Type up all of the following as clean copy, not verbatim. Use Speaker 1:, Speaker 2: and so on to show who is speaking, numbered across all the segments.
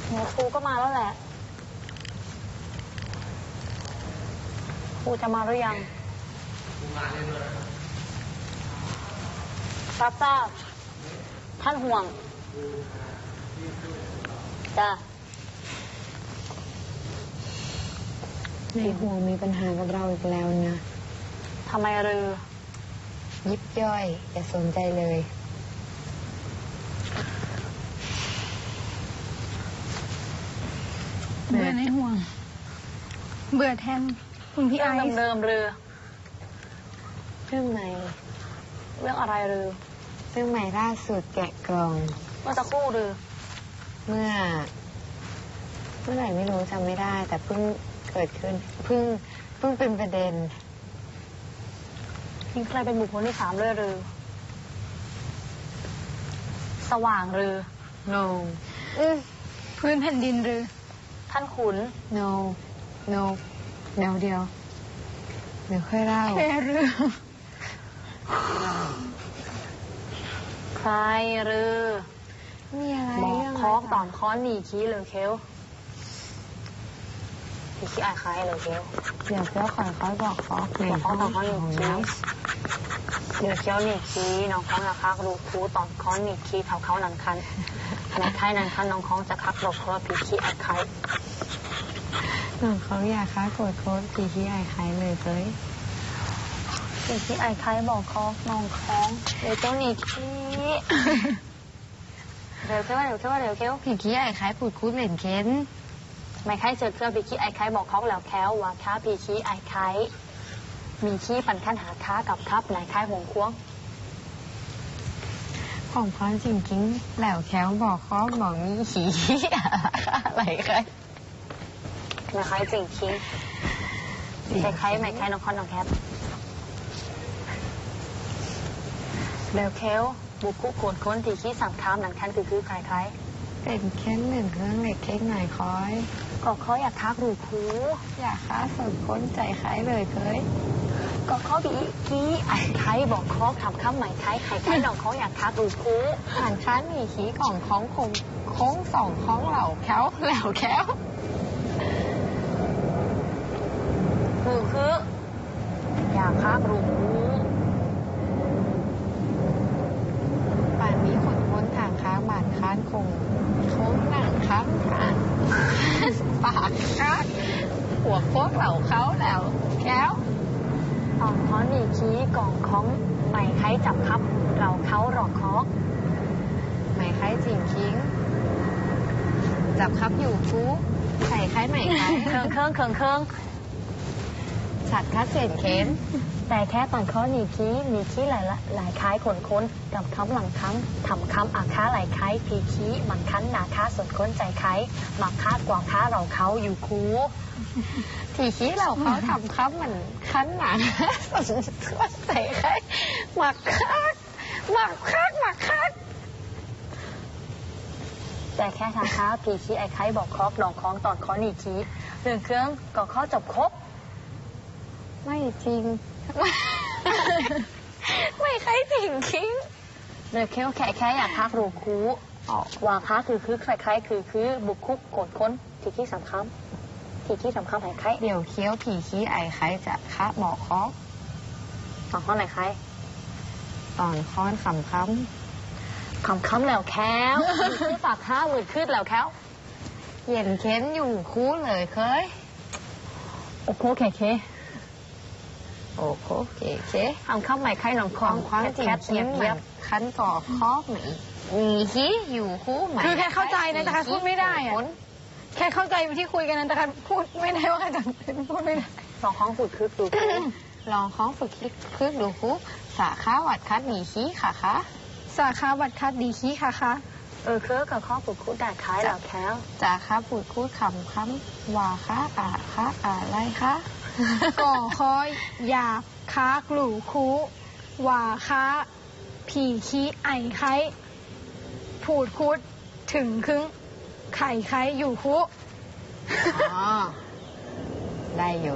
Speaker 1: หนูครูก็มาแล้วแหละครูจะมาหรือยังรับทราบท่านห่วงจ้ะ
Speaker 2: ในห่วงมีปัญหากับเราอีกแล้วนะ
Speaker 1: ทำไมรือ
Speaker 2: ยิบย่อยอย่าสนใจเลย
Speaker 3: เบื่อในห่วงเบื่อแทนคุณพี่ไอซ์
Speaker 1: เดิมๆรือ
Speaker 2: เรื่องใหม่
Speaker 1: เรื่องอะไรรือ
Speaker 2: เรื่องใหม่ล่าสุดแกะกล่อง
Speaker 1: เมื่อสักครู่รือ
Speaker 2: เมื่อไหร่ไม่รู้จำไม่ได้ แต่เพิ่งเกิดขึ้นเพิ่งเป็นประเด็น
Speaker 1: มีใครเป็นบุคคลที่3เลยรือสว่างรือ
Speaker 2: no
Speaker 3: พื้นแผ่นดินหรือ
Speaker 1: ท่านขุน
Speaker 2: no เดี๋ยวค่อยเล่า
Speaker 3: แค่เรื่อง
Speaker 1: ใครรือ
Speaker 2: มีอะไร
Speaker 1: บอก
Speaker 2: เรื่อง
Speaker 1: คอกตอนค้อนหนีขี้เลยเคี้ยวพี่ขี้อายคล้ายเลยเคี้ยว
Speaker 2: เดี๋ยวเจ้าขอเขาบอกเขา
Speaker 1: บอกคอกตอนค้อนหนีขี้เดี๋ยวเคี้ยวหนีขี้น้องค้องจะคักรูคูตอนค้อนหนีขี้เขาหนังคันในท้ายนังคันน้องค้องจะคักบอกเพราะว่าพี่ขี้อายคล้าย
Speaker 2: น้องเขาอยากค้าโกรธโค้ดปีที่ไอ้ใครเลยเฮ้ย
Speaker 1: พี่ขี้อายคล้ายบอกคอกน้องค้องเดี๋ยวเจ้าหนีขี้เดี๋ยวเคี้ยว
Speaker 2: ผีขี้ไอ้ใครพูดคูดเหม็นเค้น
Speaker 1: ไม่ใครเจอเครื่องพี่ขี้ไอ้ไข่บอกเขาแล้วแค้วว่าค้าพี่ขี้ไอ้ไข่มีขี้ปันขั้นหาค้ากับครับไหนไข่หงควง
Speaker 2: ของพรจริงๆแล้วแค้วบอกเขาบอกมีขี้อะไรใคร
Speaker 1: ไม่ใครจริงขี้ไม่ใครน้องคอนน้องแคปแล้วแค้วบุกคุกโขนค้นที่ขี้สั่งค้ามหนังคันคือใคร
Speaker 2: เป็นแค่หนึ่งเครื่องเหล็กเค้กหน่อยคอย
Speaker 1: ก็เขาอยากทักรูคู
Speaker 2: อยากค้าสดค้นใจใครเลยเคย
Speaker 1: ก็เขาบีขี้ไอ้ไข่บอกเขาทำข้ามใหม่ไข่น้องเขาอยากทักรูคู
Speaker 2: อ่านค้านมีขี้กล่องของคงโค้งสองคล้องเหล่าแค้วแล้วแค้ว
Speaker 1: คืออยากทักรูคู
Speaker 2: ป่านนี้คนค้นทางค้าบาดค้านคงโค้งหนังค้างผ่านปากค้างหัวโคกเหล่าเขาแล้วแค้ว
Speaker 1: ตอนค้อนหนีขี้กล่องของใหม่ไข่จับครับเราเขาหลอกคอก
Speaker 2: ไหมไคร้จิ่งคิ้งจับครับอยู่ฟูไข่ไข่ไหมไคร้
Speaker 1: เครื่อง
Speaker 2: ฉัดคัดเศษเค้น
Speaker 1: แต่แค่ตอนเขาหนีขี้หลายคล้ายขนค้นกับคำหลังคำทำคำอาค้าหลายคล้ายพีขี้มันคั้นหนาค้าส่วนค้นใจคล้ายหมักคาดกว่าค้าเราเขาอยู่คู
Speaker 2: ทีขี้เราเขาทำครับมันคั้นหนาสนทั่วใส่ไข่หมักคัก
Speaker 1: แต่แค่ทางค้าพีขี้ไอ้ไข่บอกคอกดองคล้องตอนเขาหนีขี้เรื่องเครื่องก็ข้อจบครบ
Speaker 2: ไม่จริง ไม่ไคร้จิ่งคิ้ง
Speaker 1: เรื่องเครื่องแค่อยากทักรูคูว่าค้าคือใครคือบุกคุกโกดค้นทีขี้สำคัญไอ้ไข่
Speaker 2: เดี๋ยวเคี้ยวผีขี้ไอไคร้จะคะบอกคอก
Speaker 1: ตอนค้อนไหนไข่
Speaker 2: ตอนค้อนคำค้
Speaker 1: คำแล้วแค้วคือปากค้าหวืดขึ้นแล้วแค้ว
Speaker 2: ำเย็นเค้นอยู่คูเลยเคย
Speaker 1: โอ้โหเค
Speaker 2: โอ้โหเก๋
Speaker 1: ทำข้าวใหม่ไข่หนองค
Speaker 2: ข
Speaker 1: อ
Speaker 2: อง งความจริง
Speaker 1: แคท
Speaker 2: คิ้ง
Speaker 1: เยี
Speaker 2: เหมื
Speaker 1: ย
Speaker 2: อบ นคั้นก่อคอกไหมมีขี้อยู่คูไหม
Speaker 3: คือแค่เข้าใจนะแต่แค่พูดไม่ได้อะแค่เข้าใจที่คุยกันนะแต่แค่พูดไม่ได้ว่าจะพูดไม่ได้
Speaker 1: สองข้องฝืดคึกดู
Speaker 2: ลองค้องฝึกคลิกพึกดูคูสาขาวัดคัดหมีขี้ค่ะคะ
Speaker 3: สาขาบัตรคัดดีขี้ค่ะ
Speaker 1: เครือกับข้อฝึกคุดได้คล้ายแล้วแค้ว
Speaker 2: จากค้าปูดคูดคำค้ำว่าค้าอะไรคะ
Speaker 3: ก่อคอยอยากค้ากลู่คูว่าค้าผีขี้ไอไข่ผูดคุดถึงครึ่งไข่ไข่อยู่คุ
Speaker 2: อ๋อ ได้อยู่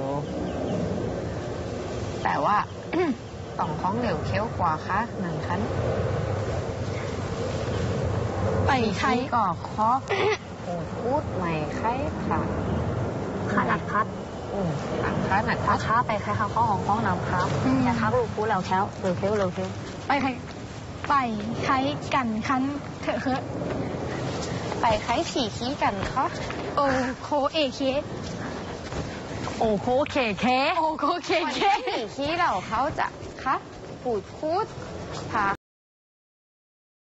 Speaker 2: แต่ว่า ต่องค้องเหลวเคี้ยวกว่าคะหนึ่งคัน
Speaker 3: ไปไข่
Speaker 2: ก่อคอกพูดพูดไม่ใครค่ะ
Speaker 1: ข้าหนักพัด
Speaker 2: หลังค้าหนัก
Speaker 1: ข้าค้าไปใครข้าข้อของห้องน้ำครับอย่าทักลูกคูแล้วแค้วเร็วเค้วเร็วเค้ว
Speaker 3: ไปใครกันคันเถอะเคอะ
Speaker 2: ไปใครผีขี้กันคะ
Speaker 3: โอโคเอเค
Speaker 1: โอ้โคเคเค
Speaker 3: โอโคเค
Speaker 2: วัน
Speaker 3: เค
Speaker 2: ที่ผีขี้เราเขาจะคะพูดพูดพา